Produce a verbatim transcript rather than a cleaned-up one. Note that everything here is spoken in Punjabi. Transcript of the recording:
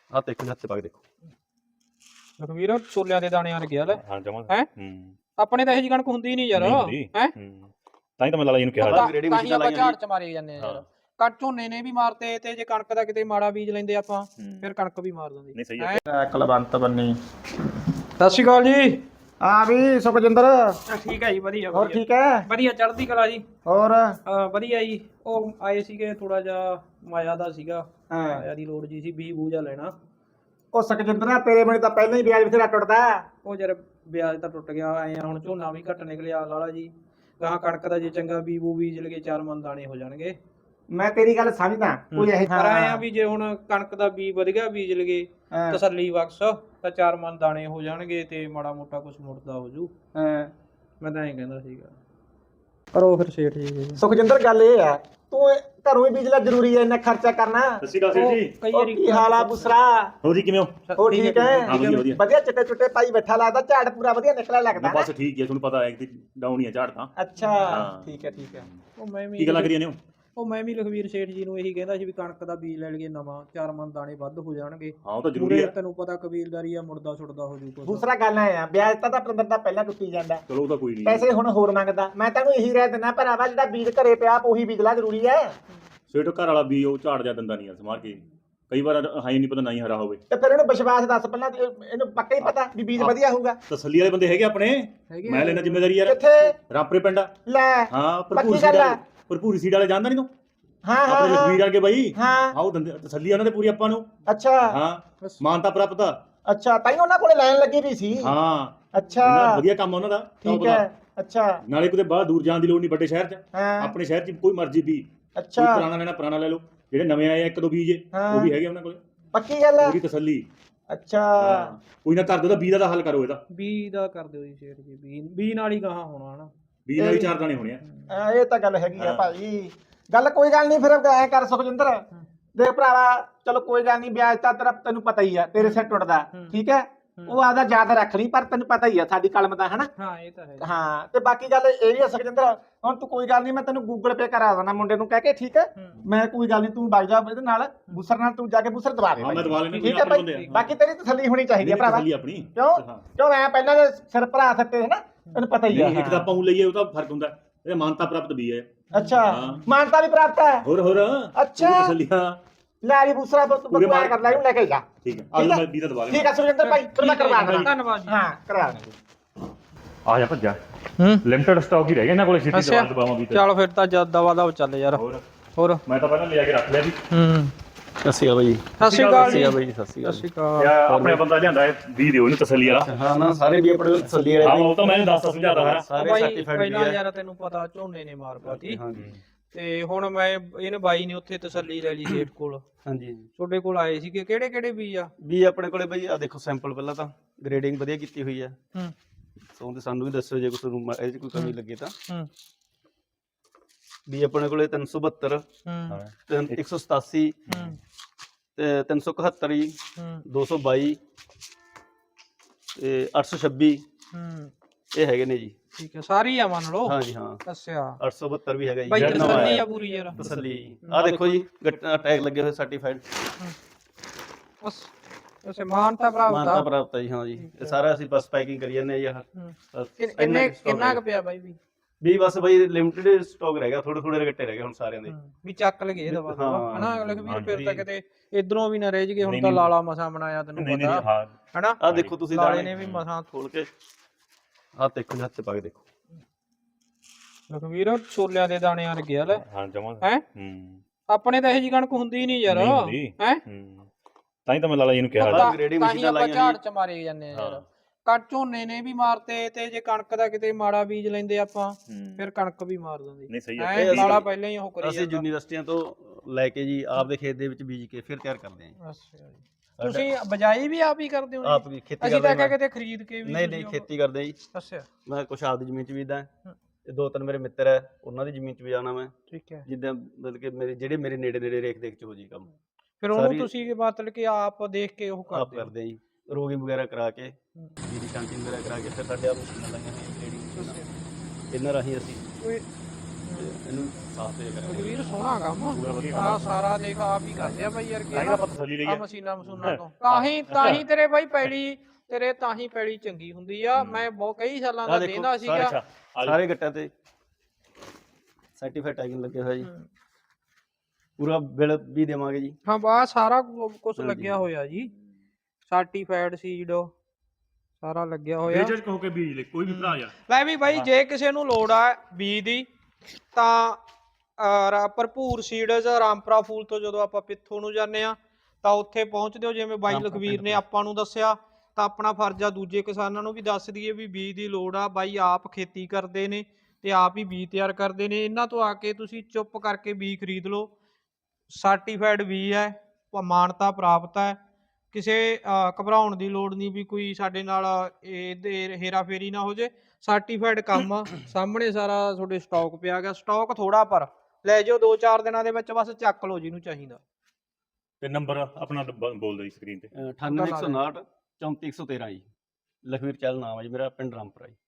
ਆ ਦੇਖੋ ਹੱਥ ਪਾ ਕੇ ਦੇਖੋ ਲਖਵੀਰ ਛੋਲਿਆਂ ਦੇ ਦਾਣਿਆਂ ਲੱਗਿਆ ਲੈ ਹਾਂ ਜਮਾ ਹੈ ਹੂੰ ਆਪਣੇ ਤਾਂ ਇਹ ਜੀ ਕਣਕ ਹੁੰਦੀ ਨਹੀਂ ਯਾਰ ਹੈ ਹੂੰ ਤਾਂ ਹੀ ਤਾਂ ਮੈਂ ਲਾਲਾ ਜੀ ਨੂੰ ਕਿਹਾ ਤਾਂ ਹੀ ਆਪਾਂ ਝਾੜ ਚ ਮਾਰੇ ਜਾਂਦੇ ਆ ਯਾਰ ਕਣ ਝੋਨੇ ਨੇ ਵੀ ਮਾਰਤੇ ਤੇ ਜੇ ਕਣਕ ਦਾ ਕਿਤੇ ਮਾੜਾ ਬੀਜ ਲੈਂਦੇ ਆਪਾਂ ਫਿਰ ਕਣਕ ਵੀ ਮਾਰ ਦਿੰਦੀ ਨਹੀਂ ਸਹੀ ਹੈ ਕੁਲਵੰਤ ਬੰਨੀ। ਸਤਿ ਸ਼੍ਰੀ ਅਕਾਲ ਜੀ। ਹਾਂ ਵੀ ਸੁਖਜਿੰਦਰ ਠੀਕ ਹੈ ਜੀ ਵਧੀਆ ਹੋਰ ਠੀਕ ਹੈ ਵਧੀਆ ਚੜ੍ਹਦੀ ਕਲਾ ਜੀ। ਹੋਰ ਅਹ ਵਧੀਆ ਜੀ ਉਹ ਆਏ ਸੀਗੇ ਥੋੜਾ ਜਿਹਾ ਮਾਇਆ ਦਾ ਸੀਗਾ ਹਾਂ ਮਾਇਆ ਦੀ ਲੋੜ ਜੀ ਸੀ ਬੀਜ ਬੂਜਾ ਲੈਣਾ। ਉਹ ਸੁਖਜਿੰਦਰ ਤੇਰੇ ਮੈਨੂੰ ਤਾਂ ਪਹਿਲਾਂ ਹੀ ਵਿਆਜ ਬਥੇਰਾ ਟੁੱਟਦਾ। ਉਹ ਜਰ ਵਿਆਜ ਤਾਂ ਟੁੱਟ ਗਿਆ ਆਏ ਆ ਹੁਣ ਝੋਨਾ ਵੀ ਘੱਟ ਨਿਕਲਿਆ ਲਾਲਾ ਜੀ ਗਾਂ ਕਣਕ ਦਾ ਜੇ ਚੰਗਾ ਬੀਜ ਬੂ ਬੀਜ ਲਗੇ ਚਾਰ ਮਣ ਦਾਣੇ ਹੋ ਜਾਣਗੇ। ਮੈਂ ਤੇਰੀ ਗੱਲ ਸਮਝਦਾ ਕੋਈ ਇਹ ਪਰ ਆਏ ਆ ਵੀ ਜੇ ਹੁਣ ਕਣਕ ਦਾ ਬੀਜ ਵਧ ਗਿਆ ਬੀਜ ਲਗੇ ਤਸੱਲੀ ਬਖਸ਼ ਤਾਂ ਚਾਰ ਮਣ ਦਾਣੇ ਹੋ ਜਾਣਗੇ ਤੇ ਮਾੜਾ ਮੋਟਾ ਕੁਝ ਮੁੜਦਾ ਹੋ ਜੂ। ਹਾਂ ਮੈਂ ਤਾਂ ਐਂ ਕਹਿੰਦਾ ਸੀਗਾ ਪਰ ਉਹ ਫਿਰ ਸੇਠ ਜੀ ਸੁਖਜਿੰਦਰ ਗੱਲ ਇਹ ਆ ਤੂੰ ਘਰੋਂ ਹੀ ਬੀਜਲਾ ਜ਼ਰੂਰੀ ਹੈ ਇੰਨਾ ਖਰਚਾ ਕਰਨਾ। ਸਤਿ ਸ਼੍ਰੀ ਅਕਾਲ ਸੇਠ ਜੀ। ਕਈ ਉਹ ਵਾਰੀ ਕੀ ਹਾਲ ਆ ਬੁਸਰਾ? ਹੋ ਜੀ ਕਿਵੇਂ ਹੋ? ਹੋ ਠੀਕ ਹੈ ਹਾਂ ਵਧੀਆ ਵਧੀਆ ਵਧੀਆ ਚਿੱਟੇ ਚੁੱਟੇ ਪਾਈ ਬੈਠਾ ਲੱਗਦਾ ਝਾੜ ਪੂਰਾ ਵਧੀਆ ਨਿਕਲਿਆ ਲੱਗਦਾ ਬਸ ਠੀਕ ਹੈ ਤੁਹਾਨੂੰ ਪਤਾ ਹੈ ਕਿ ਡਾਊਨ ਹੀ ਆ ਝਾੜ ਤਾਂ। ਅੱਛਾ ਠੀਕ ਹੈ ਠੀਕ ਹੈ। ਉਹ ਮੈਂ ਵੀ ਕੀ ਗੱਲਾਂ ਕਰੀਆਂ ਨੇ ਉਹ ਮੈਂ ਵੀ ਲਖਵੀਰ ਸੇਠ ਜੀ ਨੂੰ ਇਹੀ ਕਹਿੰਦਾ ਸੀ ਵੀ ਕਣਕ ਦਾ ਬੀਜ ਲੈ ਲਈਏ ਨਵਾਂ ਚਾਰ ਮਣ ਦਾਣੇ ਵੱਧ ਹੋ ਜਾਣਗੇ। ਹਾਂ ਉਹ ਤਾਂ ਜ਼ਰੂਰੀ ਹੈ ਤੈਨੂੰ ਪਤਾ ਕਬੀਲਦਾਰੀ ਆ ਮੁਰਦਾ ਛੁੱਟਦਾ ਹੋ ਜੂ ਕੁਛ। ਦੂਸਰਾ ਗੱਲ ਐ ਆ ਵਿਆਜ ਤਾਂ ਤਾਂ ਦਾ ਪਹਿਲਾਂ ਟੁੱਟੀ ਜਾਂਦਾ ਚਲੋ ਉਹ ਤਾਂ ਕੋਈ ਨਹੀਂ ਪੈਸੇ ਹੁਣ ਹੋਰ ਮੰਗਦਾ। ਮੈਂ ਤੈਨੂੰ ਇਹੀ ਰਹਿ ਦਿੰਦਾ ਭਰਾਵਾ ਜਿਹੜਾ ਬੀਜ ਘਰੇ ਪਿਆ ਉਹੀ ਬੀਜਲਾ ਜ਼ਰੂਰੀ ਹੈ। ਸੇਠ ਘਰ ਵਾਲਾ ਵੀ ਉਹ ਝਾੜ ਜਾ ਦਿੰਦਾ ਨਹੀਂ ਆ ਸਮਾਰ ਕੇ ਕਈ ਵਾਰ ਹਾਂ ਹੀ ਨਹੀਂ ਪਤਾ ਨਹੀਂ ਹਰਾ ਹੋਵੇ ਤੇ ਫਿਰ ਇਹਨੂੰ ਵਿਸ਼ਵਾਸ ਦੱਸ ਪਹਿਲਾਂ ਇਹਨੂੰ ਪੱਕਾ ਹੀ ਪਤਾ ਵੀ ਬੀਜ ਵਧੀਆ ਹੋਊਗਾ। ਤਸੱਲੀ ਵਾਲੇ ਬੰਦੇ ਹੈਗੇ ਆਪਣੇ ਮੈਂ ਲੈਣਾ ਜ਼ਿੰਮੇਵਾਰੀ ਯਾਰ। ਕਿੱਥੇ ਰਾਪਰੇ ਪਿੰਡ ਲੈ ਹਾਂ ਭਰਪੂਰ ਪੱਕੀ ਸੀਡ ਗੱਲ ਆ। ਵਾਲੇ ਭਰਪੂਰ ਸੀਡ ਵਾਲੇ ਜਾਣਦਾ ਨਹੀਂ ਤੂੰ? ਹਾਂ ਹਾਂ ਆਪਣੇ ਲਖਵੀਰ ਵਰਗੇ ਬਾਈ ਹਾਂ ਆਓ ਦੰਦੇ ਤਸੱਲੀ ਉਹਨਾਂ ਦੇ ਪੂਰੀ ਆਪਾਂ ਨੂੰ। ਅੱਛਾ ਹਾਂ ਮਾਨਤਾ ਪ੍ਰਾਪਤ ਆ। ਅੱਛਾ ਤਾਂ ਹੀ ਉਹਨਾਂ ਕੋਲੇ ਲਾਈਨ ਲੱਗੀ ਵੀ ਸੀ। ਹਾਂ ਅੱਛਾ ਉਹਨਾਂ ਵਧੀਆ ਕੰਮ ਆ ਉਹਨਾਂ ਦਾ ਠੀਕ ਹੈ। ਅੱਛਾ ਨਾਲੇ ਕਿਤੇ ਬਾਹਰ ਦੂਰ ਜਾਣ ਦੀ ਲੋੜ ਨਹੀਂ ਵੱਡੇ ਸ਼ਹਿਰ 'ਚ ਹਾਂ ਆਪਣੇ ਸ਼ਹਿਰ 'ਚ ਕੋਈ ਮਰਜ਼ੀ ਵੀ ਕੋਈ ਅੱਛਾ ਪੁਰਾਣਾ ਲੈਣਾ ਪੁਰਾਣਾ ਲੈ ਲਓ ਜਿਹੜੇ ਨਵੇਂ ਆਏ ਆ ਇੱਕ ਦੋ ਬੀਜ ਉਹ ਵੀ ਹੈਗੇ ਉਹਨਾਂ ਕੋਲੇ ਪੱਕੀ ਗੱਲ ਹੈ। ਪੂਰੀ ਤਸੱਲੀ। ਅੱਛਾ ਕੋਈ ਨਾ ਕਰ ਦੋ ਤਾਂ ਬੀਜ ਦਾ ਹੱਲ ਕਰੋ ਇਹਦਾ। ਬੀ ਦਾ ਕਰ ਦਿਓ ਜੀ ਸੇਠ ਜੀ ਬੀ ਬੀ ਨਾਲ ਹੀ ਗਾਹਾਂ ਹੋਣਾ ਹਨਾ ਬੀਜ ਨਾਲ ਹੀ ਚਾਰ ਦਾਣੇ ਹੋਣੇ ਆ। ਹਾਂ, ਇਹ ਤਾਂ ਗੱਲ ਹੈਗੀ ਆ ਭਾਈ। ਗੱਲ ਕੋਈ ਗੱਲ ਨਹੀਂ ਫਿਰ ਐ ਕਰ ਸੁਖਜਿੰਦਰ ਦੇਖ ਭਰਾਵਾ ਚਲੋ ਕੋਈ ਗੱਲ ਨਹੀਂ ਵਿਆਜ ਤਾਂ ਤੇਰਾ ਤੈਨੂੰ ਪਤਾ ਹੀ ਆ ਤੇਰੇ ਸਿਰ ਟੁੱਟਦਾ ਠੀਕ ਹੈ। ਉਹ ਆਦਾ ਯਾਦ ਰੱਖ ਲਈ ਪਰ ਤੈਨੂੰ ਪਤਾ ਹੀ ਆ ਸਾਡੀ ਕਲਮ ਦਾ ਹਨਾ। ਹਾਂ ਇਹ ਤਾਂ ਹੈ ਹਾਂ ਤੇ ਬਾਕੀ ਗੱਲ ਇਹ ਵੀ ਆ ਸੁਖਜਿੰਦਰ ਹੁਣ ਤੂੰ ਕੋਈ ਗੱਲ ਨਹੀਂ ਮੈਂ ਤੈਨੂੰ ਗੂਗਲ ਪੇ ਕਰਾ ਦੇਣਾ ਮੁੰਡੇ ਨੂੰ ਕਹਿ ਕੇ ਠੀਕ ਹੈ। ਮੈਂ ਕੋਈ ਗੱਲ ਨਹੀਂ ਤੂੰ ਵਗ ਜਾ ਇਹਦੇ ਨਾਲ ਬੁਸਰ ਨਾਲ ਤੂੰ ਜਾ ਕੇ ਬੁਸਰ ਦਵਾ ਦੇ ਹਾਂ ਮੈਂ ਦਵਾ ਲੈਣੇ ਠੀਕ ਹੈ ਭਾਈ। ਬਾਕੀ ਤੇਰੀ ਤਸੱਲੀ ਹੋਣੀ ਚਾਹੀਦੀ ਹੈ ਭਰਾਵਾ ਤਸੱਲੀ ਆਪਣੀ ਕਿਉਂ ਕਿਉਂ ਮੈਂ ਪਹਿਲਾਂ ਦੇ ਸਿਰ ਭਰਾ ਸੱਤੇ ਹੈ ਨਾ ਤੈਨੂੰ ਪਤਾ ਹੀ ਆ। ਇੱਕ ਤਾਂ ਆਪਾਂ ਉਹ ਲਈਏ ਉਹ ਤਾਂ ਫਰਕ ਹੁੰਦਾ ਇਹ ਮਾਨਤਾ ਪ੍ਰਾਪਤ ਵੀ ਹੈ। ਅੱਛਾ ਮਾਨਤਾ ਵੀ ਪ੍ਰਾਪਤ ਹੈ ਹੋਰ ਹੋਰ ਅੱਛਾ ਤਸੱਲੀਆਂ ਲੈ ਜੀ ਦੂਸਰਾ ਬਕਵਾਸ ਕਰ ਲੈ ਇਹਨੂੰ ਲੈ ਕੇ ਜਾ। ਠੀਕ ਹੈ ਆਲੂ ਮੈਂ ਵੀਜ਼ਾ ਦਵਾ ਲੈਣਾ। ਠੀਕ ਹੈ ਸੁਰਿੰਦਰ ਭਾਈ ਫਿਰ ਮੈਂ ਕਰਵਾ ਦੇਣਾ। ਧੰਨਵਾਦ ਜੀ। ਹਾਂ ਕਰਵਾ ਦੇਣਾ। ਆ ਜਾ ਭੱਜਾ ਹੂੰ ਲਿਮਟਿਡ ਸਟਾਕ ਹੀ ਰਹਿ ਗਿਆ ਇਹਨਾਂ ਕੋਲੇ ਸਿੱਧੀ ਦਵਾ ਦਵਾਵਾਂ ਵੀ ਚਲ ਫਿਰ ਤਾਂ ਜਦ ਦਵਾ ਦਵ ਚੱਲ ਯਾਰ ਹੋਰ ਹੋਰ ਮੈਂ ਤਾਂ ਪਹਿਲਾਂ ਲਿਆ ਕੇ ਰੱਖ ਲਿਆ ਸੀ। ਹੂੰ ਸਤਿ ਸ਼੍ਰੀ ਅਕਾਲ ਬਾਈ। ਸਤਿ ਸ਼੍ਰੀ ਅਕਾਲ ਜੀ। ਬਾਈ ਸਤਿ ਸ਼੍ਰੀ ਸਤਿ ਸ਼੍ਰੀ ਯਾ ਅਕਾਲ। ਆਪਣੇ ਬੰਦਾ ਲਿਆਂਦਾ ਵੀ ਦਿਓ ਇਹਨੂੰ ਤਸੱਲੀ ਵਾਲਾ। ਹਾਂ ਨਾ ਸਾਰੇ ਵੀ ਆਪਣੇ ਤਸੱਲੀ ਹਾਂ ਵਾਲੇ ਉਹ ਤਾਂ ਮੈਂ ਦੱਸ ਸਮਝਾਦਾ ਹੈ ਸਾਰੇ ਬਾਈ ਸਰਟੀਫਾਈਡ ਵੀ ਪਹਿਲਾਂ ਹੈ। ਯਾਰ ਤੈਨੂੰ ਪਤਾ ਝੋਨੇ ਨੇ ਮਾਰ ਪਾਤੀ ਹਾਂਜੀ ਤੇ ਹੁਣ ਮੈਂ ਇਹਨੇ ਬਾਈ ਨੇ ਉੱਥੇ ਤਸੱਲੀ ਲੈ ਲਈ ਸੇਠ ਕੋਲ ਹਾਂਜੀ ਤੁਹਾਡੇ ਕੋਲ ਆਏ ਸੀਗੇ ਕਿਹੜੇ ਕਿਹੜੇ ਬੀਜ ਆ? ਵੀ ਆਪਣੇ ਕੋਲੇ ਬਾਈ ਆ ਦੇਖੋ ਸੈਂਪਲ ਪਹਿਲਾਂ ਤਾਂ ਗ੍ਰੇਡਿੰਗ ਵਧੀਆ ਕੀਤੀ ਹੋਈ ਹੈ। ਹੂੰ ਸੋ ਤੇ ਸਾਨੂੰ ਵੀ ਦੱਸਿਓ ਜੇ ਕੋਈ ਇਹ 'ਚ ਕੋਈ ਕਮੀ ਲੱਗੇ ਤਾਂ। ਹੂੰ ਵੀ ਆਪਣੇ ਕੋਲੇ ਤਿੰਨ ਸੌ ਬਹੱਤਰ ਹੂੰ ਇੱਕ ਸੌ ਸਤਾਸੀ ਹੂੰ ਤੇ ਤਿੰਨ ਸੌ ਇਕਹੱਤਰ ਜੀ ਹੂੰ ਦੋ ਸੌ ਬਾਈ ਤੇ ਅੱਠ ਸੌ ਛੱਬੀ ਹੂੰ ਇਹ ਹੈਗੇ ਨੇ ਜੀ। ਠੀਕ ਹੈ ਸਾਰੀ ਆ ਮੰਨ ਲਓ। ਹਾਂਜੀ ਹਾਂ ਅੱਛਾ ਅੱਠ ਸੌ ਬਹੱਤਰ ਵੀ ਹੈਗਾ ਜੀ। ਬਾਈ ਜਿਹੜਾ ਨਵਾਂ ਤਸੱਲੀ ਆਇਆ। ਆ ਪੂਰੀ ਯਾਰ ਤਸੱਲੀ ਆ ਦੇਖੋ ਜੀ ਟੈਗ ਲੱਗੇ ਹੋਏ ਸਰਟੀਫਾਈਡ ਬਸ ਉਸੇ ਮਾਨਤਾ ਪ੍ਰਾਪਤ ਮਾਨਤਾ ਆ। ਪ੍ਰਾਪਤ ਹੈ ਜੀ। ਹਾਂ ਜੀ ਇਹ ਸਾਰਾ ਅਸੀਂ ਬਸ ਪੈਕਿੰਗ ਕਰੀ ਜਾਂਦੇ ਆ ਜੀ। ਆਹ ਬਸ ਕਿੰਨੇ ਇੰਨਾ ਕੁ stock ਕਿੰਨਾ ਰਹਿ ਕੁ ਪਿਆ ਬਾਈ ਵੀ ਵੀ ਬਸ ਬਾਈ ਲਿਮਟਿਡ ਸਟਾਕ ਰਹਿ ਗਿਆ ਥੋੜੇ ਥੋੜੇ ਰਗੱਟੇ ਰਹਿ ਗਏ ਹੁਣ ਸਾਰਿਆਂ ਦੇ। ਵੀ ਚੱਕ ਲਗੇ ਦਵਾ ਦਵਾ ਹਾਂ, ਹਨਾ ਲਖਵੀਰ ਹਾਂਜੀ। ਫਿਰ ਤਾਂ ਕਿਤੇ ਇਧਰੋਂ ਵੀ ਨਾ ਰਹਿ ਜਗੇ ਹੁਣ ਨਹੀਂ, ਤਾਂ ਨਹੀਂ। ਲਾਲਾ ਮਸਾ ਬਣਾਇਆ ਤੈਨੂੰ ਨਹੀਂ ਨਹੀਂ ਪਤਾ ਹਾਂ ਹਨਾ ਆਹ ਦੇਖੋ ਤੁਸੀਂ ਲਾਲੇ ਦਾਣੇ ਨੇ ਵੀ ਮਸਾਂ ਖੋਲ ਕੇ ਆਹ ਦੇਖੋ ਜੀ ਹੱਥ 'ਚ ਪਾ ਕੇ ਦੇਖੋ। ਲਖਵੀਰ ਛੋਲਿਆਂ ਦੇ ਦਾਣਿਆਂ ਲੱਗਿਆ ਲੈ ਹਾਂ ਜਮਾ ਹੈ ਹੂੰ ਆਪਣੇ ਤਾਂ ਇਹ ਜੀ ਕਣਕ ਹੁੰਦੀ ਨਹੀਂ ਯਾਰ ਨਹੀਂ ਹੁੰਦੀ। ਹੈ ਹੂੰ ਤਾਂ ਹੀ ਤਾਂ ਮੈਂ ਲਾਲਾ ਜੀ ਨੂੰ ਕਿਹਾ ਤਾਂ ਗ੍ਰੇਡਿੰਗ ਤਾਂ ਹੀ ਮਸ਼ੀਨਾਂ ਆਪਾਂ ਲਾਈਆਂ ਝਾੜ ਹੋਈਆਂ। ਚ ਮਾਰੇ ਜਾਂਦੇ ਆ ਯਾਰ ਹਾਂ। ਕਣ ਝੋਨੇ ਨੇ ਵੀ ਮਾਰਤੇ ਤੇ ਜੇ ਕਣਕ ਦਾ ਕਿਤੇ ਮਾੜਾ ਬੀਜ ਲੈਂਦੇ ਆਪਾਂ ਹੂੰ ਫਿਰ ਕਣਕ ਵੀ ਮਾਰ ਦਿੰਦੀ ਨਹੀਂ ਸਹੀ ਐ ਹੈ ਲਾਲਾ ਪਹਿਲਾਂ ਹੀ ਉਹ ਕਰੀ ਅਸੀਂ ਯੂਨੀਵਰਸਿਟੀਆਂ ਤੋਂ ਲੈ ਕੇ ਜੀ ਆਪਦੇ ਖੇਤ ਦੇ ਵਿੱਚ ਬੀਜ ਕੇ ਫਿਰ ਤਿਆਰ ਕਰਦੇ ਹਾਂ ਜੀ। ਅੱਛਾ ਜੀ ਤੁਸੀਂ ਬਜਾਈ ਵੀ ਆਪ ਹੀ ਕਰਦੇ ਹੋ ਜੀ? ਆਪ ਵੀ ਖੇਤੀ ਅਸੀਂ ਕਰਦੇ ਤਾਂ ਹਾਂ। ਕਿਤੇ ਖਰੀਦ ਕੇ ਵੀ ਨਹੀਂ ਨਹੀਂ ਖੇਤੀ ਕਰਦੇ ਹਾਂ ਜੀ। ਅੱਛਾ ਮੈਂ ਕੁਛ ਆਪਦੀ ਜ਼ਮੀਨ 'ਚ ਬੀਜਦਾ ਤੇ ਦੋ ਤਿੰਨ ਮੇਰੇ ਮਿੱਤਰ ਹੈ ਉਹਨਾਂ ਦੀ ਜ਼ਮੀਨ 'ਚ ਵੀ ਜਾਣਾ ਮੈਂ ਠੀਕ ਹੈ ਜਿੱਦਾਂ ਮਤਲਬ ਕਿ ਮੇਰੇ ਜਿਹੜੇ ਮੇਰੇ ਨੇੜੇ ਨੇੜੇ ਰੇਖ ਦੇਖ 'ਚ ਹੋ ਜੀ ਕੰਮ ਫਿਰ ਉਹਨੂੰ ਸਾਰੀ- ਤੁਸੀਂ ਮਤਲਬ ਕਿ ਆਪ ਦੇਖ ਕੇ ਉਹ ਆਪ ਕਰਦੇ ਹੋ ਕਰਦੇ ਹਾਂ ਜੀ। ਰੋਗਿੰਗ ਵਗੈਰਾ ਕਰਾ ਕੇ ਜੀਰੀ ਸ਼ਾਂਤੀ ਵਗੈਰਾ ਕਰਾ ਕੇ ਫਿਰ ਸਾਡੇ ਆਪ ਮਸ਼ੀਨਾਂ ਲਾਈਆਂ ਹੋਈਆਂ ਗ੍ਰੇਡਿੰਗ ਮਸ਼ੀਨਾਂ ਇਹਨਾਂ ਰਾਹੀਂ ਅਸੀਂ ਕੋਈ ਤੇ ਇਹਨੂੰ ਸਾਫ਼ ਤੇ ਕਰਾਂਗੇ ਵੀਰ ਸੋਹਣਾ ਕੰਮ ਪੂਰਾ ਵਧੀਆ ਆ ਸਾਰਾ ਦੇਖ ਆਪ ਹੀ ਕਰਦੇ ਆ ਬਾਈ ਯਾਰ ਤਾਂ ਹੀ ਕੀ ਆਪਾਂ ਤਸੱਲੀ ਲਈ ਆ ਆ ਮਸ਼ੀਨਾਂ ਮਸ਼ੂਨਾਂ ਤੋਂ ਤਾਂ ਹੀ ਤਾਂ ਹੀ ਤੇਰੇ ਬਾਈ ਪੈਲੀ ਤੇਰੇ ਤਾਂ ਹੀ ਪੈਲੀ ਚੰਗੀ ਹੁੰਦੀ ਆ ਮੈਂ ਬਹੁਤ ਕਈ ਸਾਲਾਂ ਦਾ ਆਹ ਦੇਖੋ, ਦੇਂਦਾ ਸੀਗਾ ਅੱਛਾ ਆ ਸਾਰੇ ਗੱਟਾਂ ਤੇ ਸਰਟੀਫਾਈਡ ਟੈਗਿੰਗ ਲੱਗੇ ਹੋਇਆ ਜੀ ਹੂੰ। ਪੂਰਾ ਬਿੱਲ ਵੀ ਦੇਵਾਂਗੇ ਜੀ ਹਾਂ ਬਾ ਸਾਰਾ ਕੁਝ ਹਾਂਜੀ। ਲੱਗਿਆ ਹੋਇਆ ਜੀ ਸਰਟੀਫਾਈਡ ਸੀਡ ਸਾਰਾ ਲੱਗਿਆ ਹੋਇਆ ਬੇਝਿਜਕ ਕਹੋ ਕੇ ਬੀਜ ਲੈ ਕੋਈ ਵੀ ਭਰਾ ਯਾਰ ਲੈ ਵੀ ਬਾਈ ਜੇ ਕਿਸੇ ਨੂੰ ਲੋੜ ਆ ਬੀਜ ਦੀ ਤਾਂ ਅਹ, ਰਾ- ਭਰਪੂਰ ਸੀਡਜ਼ ਰਾਮਪੁਰਾ ਫੂਲ ਤੋਂ ਜਦੋਂ ਆਪਾਂ ਪਿੱਥੋਂ ਨੂੰ ਜਾਂਦੇ ਆ ਤਾਂ ਉੱਥੇ ਪਹੁੰਚਦੇ ਹੋ ਜਿਵੇਂ ਬਾਈ ਰਾਮਪੁਰਾ ਲਖਵੀਰ ਪਿੰਡ ਨੇ ਤੋਂ। ਆਪਾਂ ਨੂੰ ਦੱਸਿਆ ਤਾਂ ਆਪਣਾ ਫਰਜ਼ ਆ ਦੂਜੇ ਕਿਸਾਨਾਂ ਨੂੰ ਵੀ ਦੱਸ ਦਈਏ ਵੀ ਬੀਜ ਦੀ ਲੋੜ ਆ ਬਾਈ ਆਪ ਖੇਤੀ ਕਰਦੇ ਨੇ ਤੇ ਆਪ ਹੀ ਬੀਜ ਤਿਆਰ ਕਰਦੇ ਨੇ ਇਹਨਾਂ ਤੋਂ ਆ ਕੇ ਤੁਸੀਂ ਚੁੱਪ ਕਰਕੇ ਬੀਜ ਖਰੀਦ ਲਓ ਸਰਟੀਫਾਈਡ ਬੀਜ ਹੈ ਪ- ਮਾਨਤਾ ਪ੍ਰਾਪਤ ਹੈ ਕਿਸੇ ਅਹ, ਘਬਰਾਉਣ ਦੀ ਲੋੜ ਨਹੀਂ ਵੀ ਕੋਈ ਸਾਡੇ ਨਾਲ ਇਹਦੇ ਹੇਰਾ ਫੇਰੀ ਨਾ ਹੋ ਜੇ ਸਰਟੀਫਾਈਡ ਕੰਮ ਆ ਸਾਹਮਣੇ ਸਾਰਾ ਤੁਹਾਡੇ ਸਟਾਕ ਪਿਆ ਗਿਆ ਸਟਾਕ ਥੋੜਾ ਪਰ ਲੈ ਜਾਓ ਦੋ ਚਾਰ ਦਿਨਾਂ ਦੇ ਵਿੱਚ ਬਸ ਚੱਕ ਲਓ ਜਿਹਨੂੰ ਚਾਹੀਦਾ ਤੇ ਨੰਬਰ ਆਪਣਾ ਬ- ਬੋਲ ਦੇ ਸਕਰੀਨ ਤੇ ਅਠਾਨਵੇਂ ਇੱਕ ਸੌ ਉਨਾਹਠ ਚੌਂਤੀ ਇੱਕ ਸੌ ਤੇਰਾਂ ਜੀ ਲਖਵੀਰ ਚਹਿਲ ਨਾਮ ਹੈ ਜੀ ਮੇਰਾ ਪਿੰਡ ਰਾਮਪੁਰਾ ਜੀ